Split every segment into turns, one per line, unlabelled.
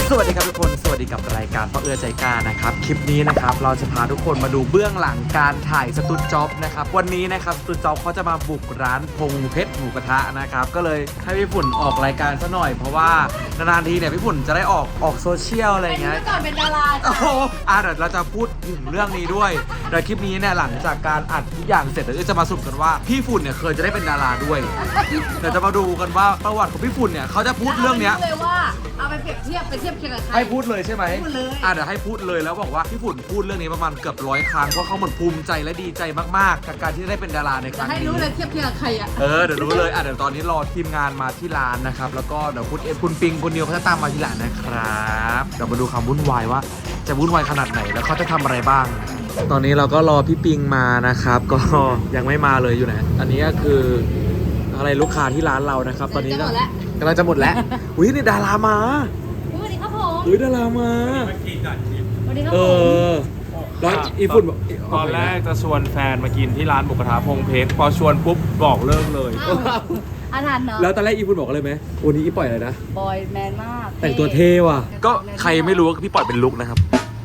สวัสดีครับทุกคนสวัสดีกับรายการพ่อเอื้อใจกล้านะครับคลิปนี้นะครับเราจะพาทุกคนมาดูเบื้องหลังการถ่ายสตูดจ็อบนะครับวันนี้นะครับสตูดจ็อบเขาจะมาบุกร้านพงเพชรหมูกระทะนะครับก็เลยให้พี่ฝุ่นออกรายการซะหน่อยเพราะว่านานๆทีเนี่ยพี่ฝุ่นจะได้ออกโซเชียลอะไรเงี้ย
ก่อนเป็นดารา
โอ้โหเดี๋ยวเราจะพูดถึงเรื่องนี้ด้วยเดี๋ยวคลิปนี้เนี่ยหลังจากการอัดทุกอย่างเสร็จเดี๋ยวจะมาสรุปกันว่าพี่ฝุ่นเนี่ยเคยจะได้เป็นดาราด้วยเดี๋ยวจะมาดูกันว่าประวัติของพี่ฝุ่นเนี่ยเขาจะพูดเรื่องเนี้ย
เลยว่าเอาไปเปรียบเทียบเคียงกับใคร
ให้พูดเลยใช่ไหม
พูดเลย
เดี๋ยวให้พูดเลยแล้วบอกว่าพี่ฝุ่นพูดเรื่องนี้ประมาณเกือบ100 ครั้งเพราะเขาเหมือนภูมิใจและดีใจมากๆกับการที่ได้เป็นดาราในครั้ง
ให้
นี้
รู้เลยเทียบกับใครอ่ะ
เดี๋ยวรู้เลยเดี๋ยวตอนนี้รอทีมงานมาที่ร้านนะครับแล้วก็เดี๋ยวคุณปิงคุณนิวเขาจะตามมาที่ร้านนะครับเดี๋ยวมาดูความวุ่นวายว่าจะวุ่นวายขนาดไหนแล้วเขาจะทำอะไรบ้าง ตอนนี้เราก็รอพี่ปิงมานะครับก็ยังไม่มาเลยอยู่ไหนอันนี้ก็คืออะไรลูกค้าที่ร้านเรานะครับตอนนี้กำลังจะหมดแล้วอุ้ยนี่ดารามา
สวัสดีครับผม
อุ้ยดารามา
สวัสดีครับ
เอ
ผม
แล้วอีฝุ่นบอก
ตอนแรกจะชวนแฟนมากินที่ร้านหมูกระทะพงเพชรพอชวนปุ๊บบอกเลิกเลย
อาถรรพ์เนาะ
แล้วตอนแรกอีฝุ่นบอกอะไรไหมวันนี้อีปล่อยอะไรนะ
บอยแมนมาก
แต่งตัวเท่ว่ะก็ใครไม่รู้ว่าพี่ปล่อยเป็นลุกนะครับ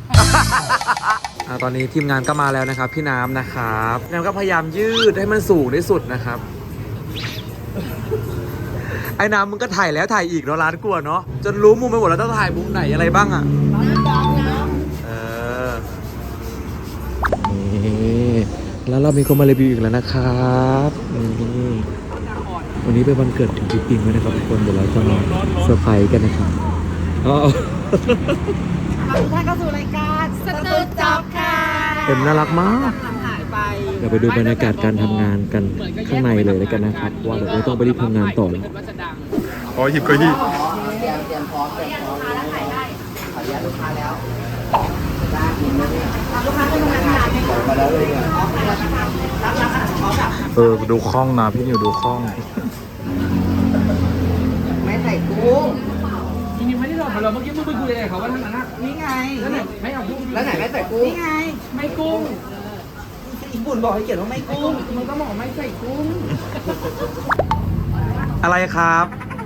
ตอนนี้ทีมงานก็มาแล้วนะครับพี่น้ำนะครับพี่น้ำก็พยายามยืดให้มันสูงที่สุดนะครับ ไอ้น้ำมึงก็ถ่ายแล้วถ่ายอีกเนาะร้านกลัวเนาะจนรู้มุมไปหมดแล้วต้องถ่ายมุมไหนอะไรบ้างอ่ะนี่แล้วเรามีคนมารีวิวอีกแล้วนะครับนี่วันนี้เป็นวันเกิดถึงพี่ปิงด้วยนะครับทุกคนเดี๋ยวเราจะมาเซอร์ไพรส์กันนะครับอ๋อ
ทุกท่านเข้าสู่รายการสตูดจ็อบค่ะ
เต็มน่ารักมาก
หายไป
เดี๋ยวไปดูบรรยากาศการทำงานกันข้างในเลยแล้วกันนะครับว่าเดี๋ยวเราต้องไปรีบทำงานต่อแล้ว
ขอหยิบก็หยิบ ดูคล่องนะพี่นิวดูคล่อง
ไม่ใส่กุ้ง
จริงๆไม่ได้หรอกเราเมื่อกี้มึงไปคุยอะไรกับเขาว่าทั้งนั้นนะ
นี่ไง
แล้วไหนไม่เอากุ้ง
แล้วไหนไม่ใส่กุ้ง
นี่ไง ไม่กุ้ง
อีกบุญบอกให้เขียนว่าไม่กุ้ง
มึงก็บอกไม่ใส่กุ้ง
อะไรครับ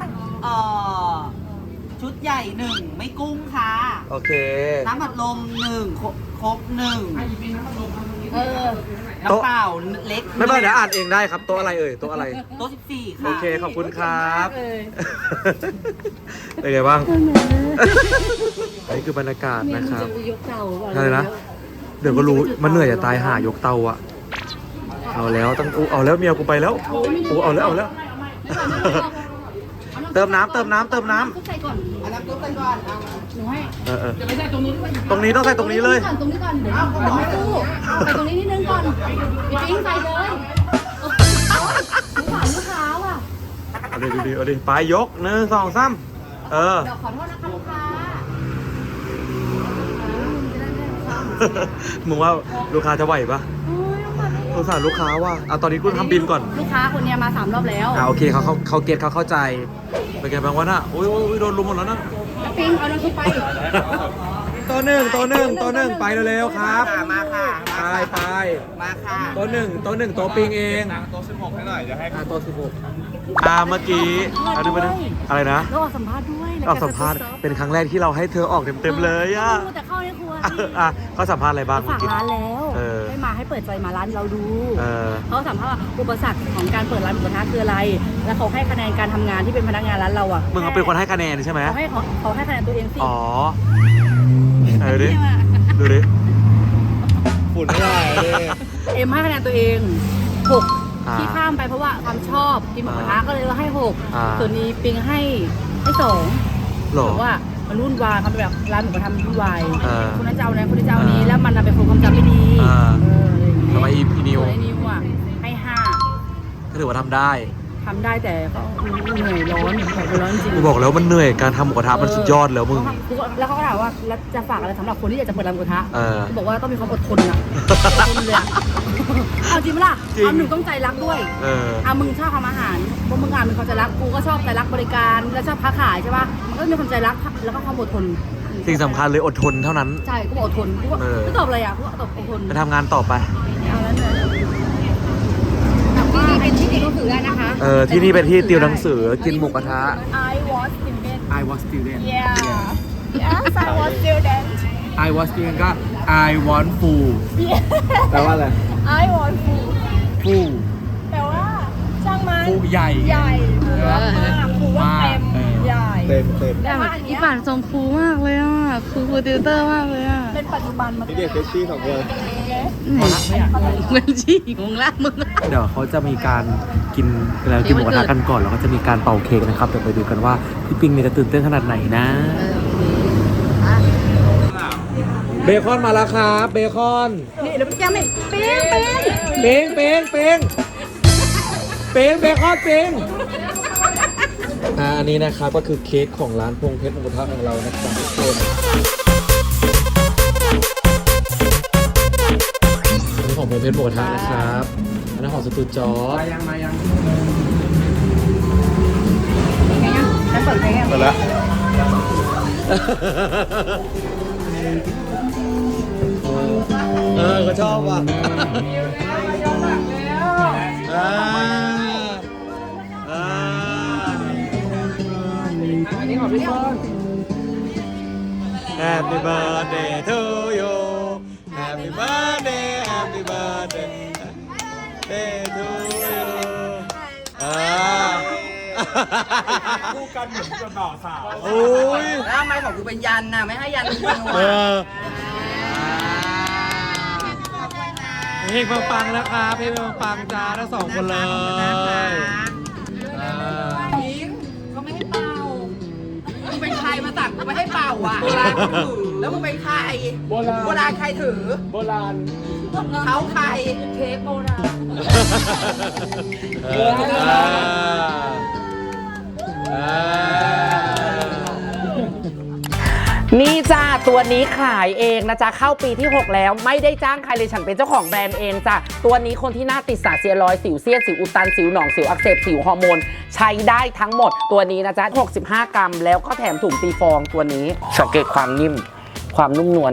ชุดใหญ่หนึ่งไม่กุ้งค่ะ
โอเค
น้ำอัดลมหนึ่งครบหนึ่ง
เออ
น้ำเปล่าเล็ก
ไม่เป็นไรเดี๋ยวอ่านเองได้ครับโต๊ะอะไรเอ่ยโต๊ะอะไร
โต๊ะ14 ค่ะ
โอเคขอบคุณครับ
เลย
เป็นไงบ้างนี่คือบรรยากาศนะครับ
ยกเตา
อะไรนะเดี๋ยวก็รู้มันเหนื่อยจะตายหายกเตาอะเอาแล้วต้องเอาแล้วเมียกูไปแล้วเอาแล้ว เติมน้ำ
ใส่ก่อน
อันนั้นกุ้งไปก่อนเอา
หนูให้
จะไม่ใช่ตรงนู้นด้วย
ตรงนี้ต้องใส่ตรงนี้เลย
ตรงนี้ก่อนเดี๋ยวไม่ตู้ใส่ตรงนี้นิดนึงก่อนพี่ปิ๊งใส่เลยลูกค้าว่ะ
เอาดิไปยก1 2 3
เดี๋ยวขอโทษนะคะลูกค้า
มึงว่าลูกค้าจะไหวปะสงสารลูกค้าว่ะเอาตอนนี้กูทำบินก่อน
ลูกค้าคนนี้มา3 รอบแล้ว
โอเคเขาเก็ตเขาเข้าใจเป็นไงบ้างวะน่ะโอ้ยโดนลุมหมดแล้วนะ
ปิ๊งเอาน้ำซุปไป
ตัวหนึ่งไปเร็วๆครับ
มาค่ะ
ไป
มาค่ะ
ตัวหนึ่งตัวปิงเอง
โต๊ะ16ให้หน่อยจะให้
ตัว16เมื่อกี้ดูไปอะไรนะ
แล้วออกสัมภาษณ์ด้วย
ออกสัมภาษณ์เป็นครั้งแรกที่เราให้เธอออกเต็มๆเลยอ่ะ
แต่เข้าในครัว
เขาสัมภาษณ์อะไรบ้าง
ฝากร้านแล้วให้มาให้เปิดใจมาร้านเราดูเขาสัมภาษณ์ว่าอุปสรรคของการเปิดร้านหมูกระทะคืออะไร แล้วเขาให้คะแนนการทำงานที่เป็นพนักงานร้านเราอ่ะ
มึงเขาเป็นคนให้คะแนนใช่ไหม
เขาให้คะแนนตัวเองสิ
อ๋อดูดิฝุ่นไม่ได้เลย
เอ็มให้คะแนนตัวเอง6ที่ข้ามไปเพราะว่าความชอบกินหมูกระทะก็เลยให้6ส่วนนี้ปิงให้2
หรอ
บอกว่ามันวุ่นวายเขาแบบร้านหมูกระทะมันวุ่นวายคนนั้นเจ้านั้นคนนี้เจ้านี้แล้วมันเป็นคนความจำไม่ดี
ทำไมอีนิว
ส่วนไอ้นิวอ่ะให้5
ก็ถือว่าทำได้
แต่ก็เหนื่อยร้อนจริง
กูบอกแล้วมันเหนื่อยการทำหมูกระทะมันสุดยอดแล้วมึง
แล้วเขาก็ถามว่าแล้วจะฝากอะไรสำหรับคนที่อยากจะเปิดร้านหมูกระทะ
กู
บอกว่าต้องมีความอดทนอะอดทนเลยอะเอาจริงไหมล่ะหนึ่งต้องใจรักด้วยมึงชอบทำอาหารพวกมึงมีความใจรักกูก็ชอบใจรักบริการแล้วชอบค้าขายใช่ป่ะมันก็มีความใจรักแล้วก็ความอดทน
สิ่งสำคัญเลยอดทนเท่านั้น
ใช่กูอดทนกูก็ตอบอะไรอ่ะกูก็ตอบอดทน
ไปทำงานต่อไป
เอาแล้วเนี่ยที่นี่เป็นที่ติวหนังสือได้นะคะ
ที่นี่เป็นที่ติวหนังสือกินหมูกระทะ
I was student
I was student
yeah
I was thinking ก็ I want food แปลว่าอะไร
I want food
food
แต่ว่าช่างมัน
food ใหญ่
ใหญ่ฟูว่ามากฟูว่าเต็มใหญ่
เต็ม
แต่ว่าอันเนี้
อี
ย
ป่านทรงฟูมากเลยอ่ะฟูติวเตอร์มากเลยอ่ะ
เป็นปัจจุบันมา
นี่เด็กเฟชชี่ของคน
เหมือนฉี่งงละมึง
เดี๋ยวเขาจะมีการกินแล้วกินหมูกระทะกันก่อนแล้วก็จะมีการเป่าเค้กนะครับเดี๋ยวไปดูกันว่าพี่ปิงเนี่ยจะตื่นเต้นขนาดไหนนะเบคอนมาแล้วครับเบคอน
นี่เดี๋ยวแกไม่เป้ง
เป้งเป้งเบคอนเป้งอันนี้นะครับก็คือเค้กของร้านพงเพชรหมูกระทะของเรานะครับทุกคนอันนี้ของพงเพชรหมูกระทะนะครับอันนั้นของสตูจอร์จ
มายัง
ฉันเปิดเพลง
ไปแล้วก็ชอบว่ะ
อันนี้ของพี่เฟิร์น
Happy birthday to you Happy birthday Happy birthday to you
คู่กันเหมือนกับบ่าวสาว
โอ้ย
แล้วทำไมของกูเป็นยันน่ะ ไม่ให้ยันจริงๆ
เอ
ว่ะ
เพลงปังๆนะครับเพลงปังๆจ้าทั้งสองคนเลย
ก็ไม่ให้เป่า
มึงเป็นใครมาสั่งกูไม่ให้เป่าอ่ะเวลากูถือแล้วมึงเป็นใคร
โบราณ
โบราณใครถือ
โบราณ
เขาใคร
เค้กโบราณ
นี่จ้าตัวนี้ขายเองนะจ๊ะเข้าปีที่ 6 แล้วไม่ได้จ้างใครเลยฉันเป็นเจ้าของแบรนด์เองจ้ะตัวนี้คนที่หน้าติดสารเซียรอยด์สิวเซียนสิวอุดตันสิวหนองสิวอักเสบสิวฮอร์โมนใช้ได้ทั้งหมดตัวนี้นะจ๊ะ65 กรัมแล้วก็แถมถุงตีฟองตัวนี้สังเกตความนิ่มความนุ่มนวล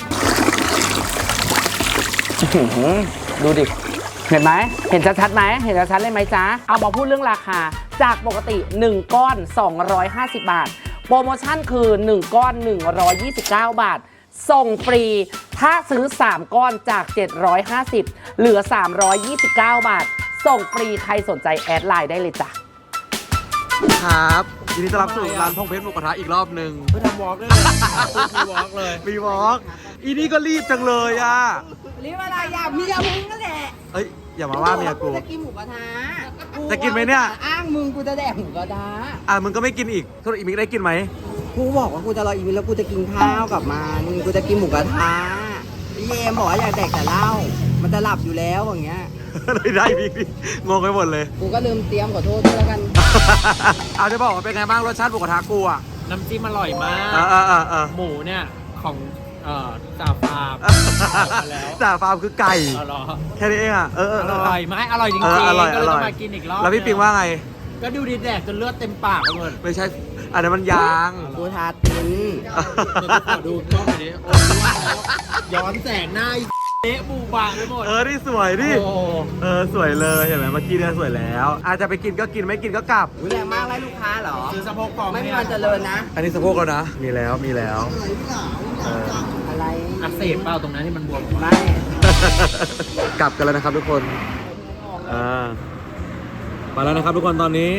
ดูดิเห็นไหมเห็นชัดๆไหมเห็นชัดๆเลยไหมจ๊ะเอามาพูดเรื่องราคาจากปกติ1ก้อน250 บาทโปรโมชั่นคือ 1 ก้อน 129 บาท ส่งฟรี ถ้าซื้อ 3 ก้อนจาก 750 เหลือ 329 บาท ส่งฟรี ใครสนใจแอดไลน์ได้เลยจ้ะ
ครับยินดีต้อนรับสู่ร้านพงเพชรหมูกระทะอีกรอบหนึ่ง
ไปทำวอล์กด้วยเลยมีวอล์กเลย
มีวอล์กอีนี่ก็รีบจังเลยอ่ะ
รีบอะไรอย่าเมียมึงนั่นแหละ
เอ้ยอย่ามาว่าเมียกู
จะกินหมูกระทะ
จะกินไหมเนี่ย
อ้างมึงกูจะแดกหมูกระทะ
มึงก็ไม่กินอีกทุกอีมิกได้กินไหม
กูบอกว่ากูจะรออีกนิดแล้วกูจะกินข้าวกับมันกูจะกินหมูกระทะพี่เยมบอกว่าอยากแดกแต่เหล้ามันจะหลับอยู่แล้วอย่างเงี้ย
เลยได้มิกดิงงไปหมดเลย
กูก็ลืมเตรียมขอโทษด้วยแล้วกัน
เอาจะบอกว่าเป็นไงบ้างรสชาติหมูกระทะกูอ่ะ
น้ำจิ้มอร่อยมาก
ห
หมูเนี่ยของจ่าฟาร์มมาแล้ว
จ่าฟาร์มคือไก่
อร่อย
แค่นี้เองอ่ะ
อร่อยไหมอร่อยจริง
อร่อย
ๆก็เลยต้องมากินอีกรอบ
แล้วพี่ปิงว่าไง
ก็ดูดีแดกจนเลือดเต็มปากไปหมด
ไม่ใช่อันนั้นมันยาง
กูทาติน
เดี๋ยวขอดูกล้องหน่อยดิโอ้โหย้อนแสงหน้าเละบูบาไปหมด
นี่สวยดิ
โอ้
สวยเลยเห็นไหมเมื่อกี้เนี่ยสวยแล้ว อาจจะไปกินก็กินไม่กินก็กลับ
แรงมากไล่ลูกค้าเหรอ
ซื้อสะโพกปลอม
ไม่มี
เนี่ย
วันเจริญนะ
อันนี้สะโพกแล้วนะ มีแล้วเออ
อะไร
อักเสบเปล่าตรงนั้นที่มันบวม
ไม่
กลับกันแล้วนะครับทุกคนมาแล้วนะครับทุกคนตอนนี้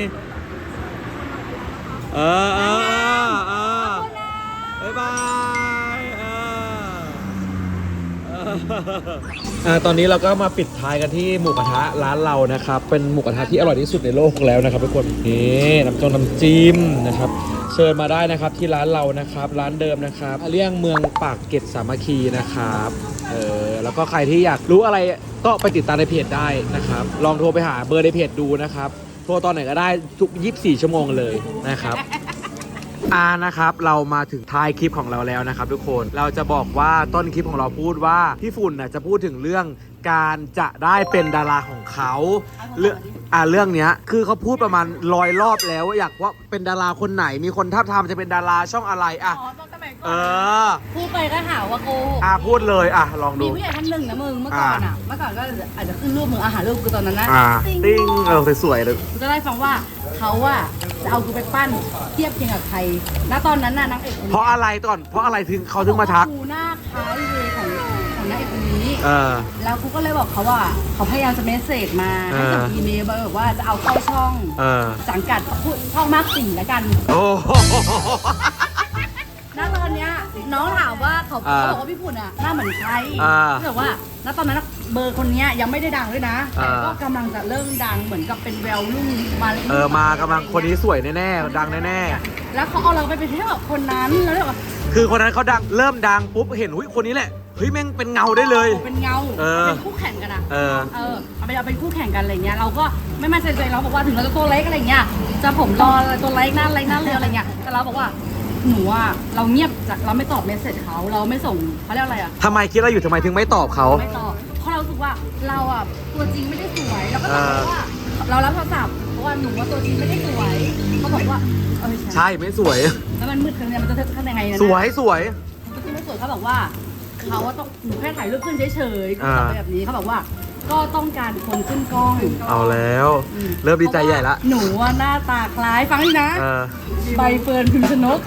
บ๊ายบายตอนนี้เราก็มาปิดท้ายกันที่หมูกระทะร้านเรานะครับ เป็นหมูกระทะที่อร่อยที่สุดในโลกแล้วนะครับทุกคนนี่น้ำจิ้มนะครับเชิญมาได้นะครับที่ร้านเรานะครับร้านเดิมนะครับเลี่ยงเมืองปากเกร็ดสามัคคีนะครับแล้วก็ใครที่อยากรู้อะไรก็ไปติดตามในเพจได้นะครับลองโทรไปหาเบอร์ในเพจดูนะครับโทรตอนไหนก็ได้ทุก24 ชั่วโมงเลยนะครับนะครับเรามาถึงท้ายคลิปของเราแล้วนะครับทุกคนเราจะบอกว่าต้นคลิปของเราพูดว่าพี่ฝุ่นน่ะจะพูดถึงเรื่องการจะได้เป็นดาราของเขาเรื่องเนี้ยคือเขาพูดประมาณ100 รอบแล้วอยากว่าเป็นดาราคนไหนมีคนทับทามจะเป็นดาราช่องอะไร
พูดไปก็หาว่าโกหก
พูดเลยลอง
มี
ดู
ผู้ใหญ่ท่านหนึ่งนะมึงเมื่อก่อนเมื่อก่อนก็อาจจะขึ้นรูปมึงอาหารรูปกูตอนนั้นนะ
ติ้งสวยๆเลย
กูจะได้ฟังว่าเขาจะเอากูไปปั้นเทียบเคียงกับใครณตอนนั้นน่ะนางเอก
เพราะอะไรก่อนเพราะอะไรถึงเขาถึงมาทัก
กูหน้าท้ายเวของนางเอกคนนี้ แล้วกูก็เลยบอกเขาว่าเขาพยายามจะเมสเซจมาให้กับอีเมลแบบว่าจะเอาเข้าช่องสังกัดช่องมากสี่แล้วกัน
โอ้โห
ณตอนเนี้ยน้องถามว่าเขาบอกว่าพี่ฝุ่นอ่ะหน้าเหมือนใครแต่ว่าณตอนนั้นเบอร์คนเนี้ยยังไม่ได้ดังด้วยนะแต่ก็กำลังจะเริ่มดังเหมือนกับเป็นแววรุ่งมาก
ำลังคนนี้สวยแน่ๆดังแน่ๆ
แล้วเขาเอาเราไปเป็นที่แบบคนนั้นแล้วแบบ
คือคนนั้นเขาดังเริ่มดังปุ๊บเห็นคนนี้แหละเฮ้ยแม่งเป็นเงาได้เลย
เป็นเงาเป็นคู่แข่งกันอ่ะเอาเป็นคู่แข่งกันอะไรเงี้ยเราก็ไม่มั่นใจเราบอกว่าถึงเราจะตัวเล็กอะไรเงี้ยจะผมรอตัวเล็กหน้าเล็กหน้าเร็วอะไรเงี้ยแต่เราบอกว่าหนูอ่ะเราเงียบจากเราไม่ตอบเมสเซจเขาเราไม่ส่งเขาเรียกอะไรอ่ะ
ทำไมคิดอะไรอยู่ทำไมถึงไม่ตอบเขา
ไม่ตอบเพราะเรารู้สึกว่าเราอ่ะตัวจริงไม่ได้สวยเราก็ตอบว่าเรารับโทรศัพท์เพราะว่าหนูว่าตัวจริงไม่ได้สวยเขาบอกว่า
ใช่ไม่สวย
แล้วมันมืดขนาดนี้มันจะทำยังไงนะ
สวย
ก็คือไม่สวยเขาบอกว่าเขาว่าต้องหนูแค่ถ่ายรูปขึ้นเฉยๆเขาแบบนี้เขาบอกว่าก็ต้องการคนขึ้นกล้อง
เอาแล้วเริ่มดีใจใหญ่ละ
หนูว่าหน้าตาคล้ายฟังดินะใบเฟิร์นพิมพ์ชนก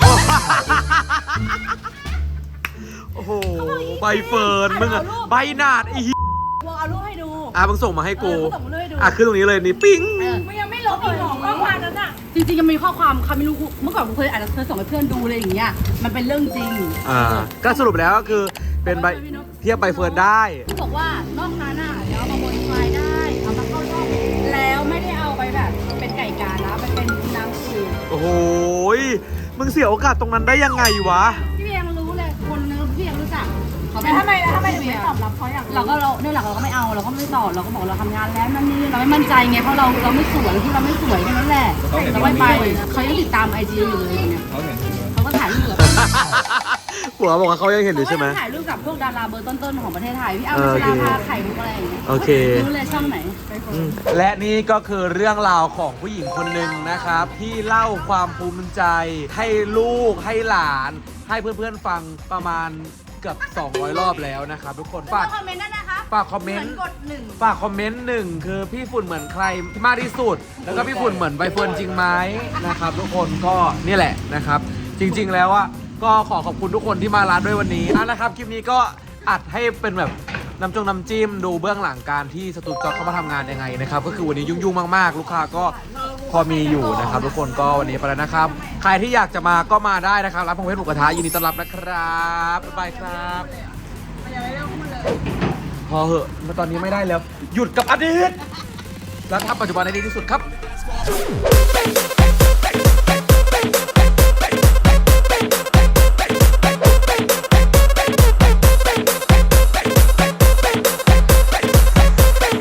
โอ้โหใบเฟิร์นมึงอะใบหนาดอี
เอารูปให้ดู
มึงส่งมาให้กูขึ้นตรงนี้เลยนี่ปิ้ง
มันยังไม่ลบอีกหรอข้อความนั้นอะจริงๆยังมีข้อความคำไม่รู้เมื่อก่อนกูเคยอาจจะเคยส่งให้เพื่อนดูเลยอย่างเงี้ยมันเป็นเรื่องจริง
ก็สรุปแล้วก็คือเป็นใบเทียบใบเฟิร์นได้
บอกว่านอกนั้นอ่ะเดี๋ยวเอามาโมดิฟายได้เอามาเข้าช่องแล้วไม่ได้เอาไปแบบเป็นไก่กานะมันเป็นนางสื่อ
โอ้โหมึงเสียโอกาสตรงนั้นได้ยังไงวะ
พี่ยังรู้เลยคนนึงพี่ยังรู้จักเขาทำไมถึงไม่ตอบรับเขาอย่างเราเนี่ยหลักเราก็ไม่เอาเราก็ไม่ตอบเราก็บอกเราทำงานแล้วนั่นนี่เราไม่มั่นใจไงเพราะเราไม่สวยที่เราไม่สวยแค่นั้นแหละเราไม่ไปเขายังติดตามไอจีอยู่เลยเนี่ยเขาก็ถ่ายรูป
หัวบอกว่าเขายังเห็นอยู่ใช่ไหม
ถ่ายรูปกับพวกดาราเบอร์ต้นๆของประเทศไทยพี่อ้ำพัชราภาไข่มุกอะไรอย่างเงี้ย
โอเค
รู้เลยช่องไหน
และนี่ก็คือเรื่องราวของผู้หญิงคนหนึ่งนะครับที่เล่าความภูมิใจให้ลูกให้หลานให้เพื่อนๆฟังประมาณเกือบ200 รอบแล้วนะครับทุกคนฝาก
คอมเมนต์นะคะ
ฝากคอมเมนต์ฝากคอมเมนต์1คือพี่ฝุ่นเหมือนใครมากที่สุดแล้วก็พี่ฝุ่นเหมือนใบเฟิร์นจริงไหมนะครับทุกคนก็นี่แหละนะครับจริงๆแล้วก็ขอบคุณทุกคนที่มาร้านด้วยวันนี้นะครับคลิปนี้ก็อัดให้เป็นแบบน้ำจิ้มดูเบื้องหลังการที่สตูดิโอเข้ามาทำงานยังไงนะครับก็คือวันนี้ยุ่งๆมากๆลูกค้าก็พอมีอยู่นะครับทุกคนก็วันนี้ไปแล้วนะครับใครที่อยากจะมาก็มาได้นะครับร้านพงเพชรหมูกระทะยินดีต้อนรับนะครับบ๊ายบายครับพอเหอะมาตอนนี้ไม่ได้แล้วหยุดกับอดีตแล้วทำปัจจุบันให้ดีที่สุดครับ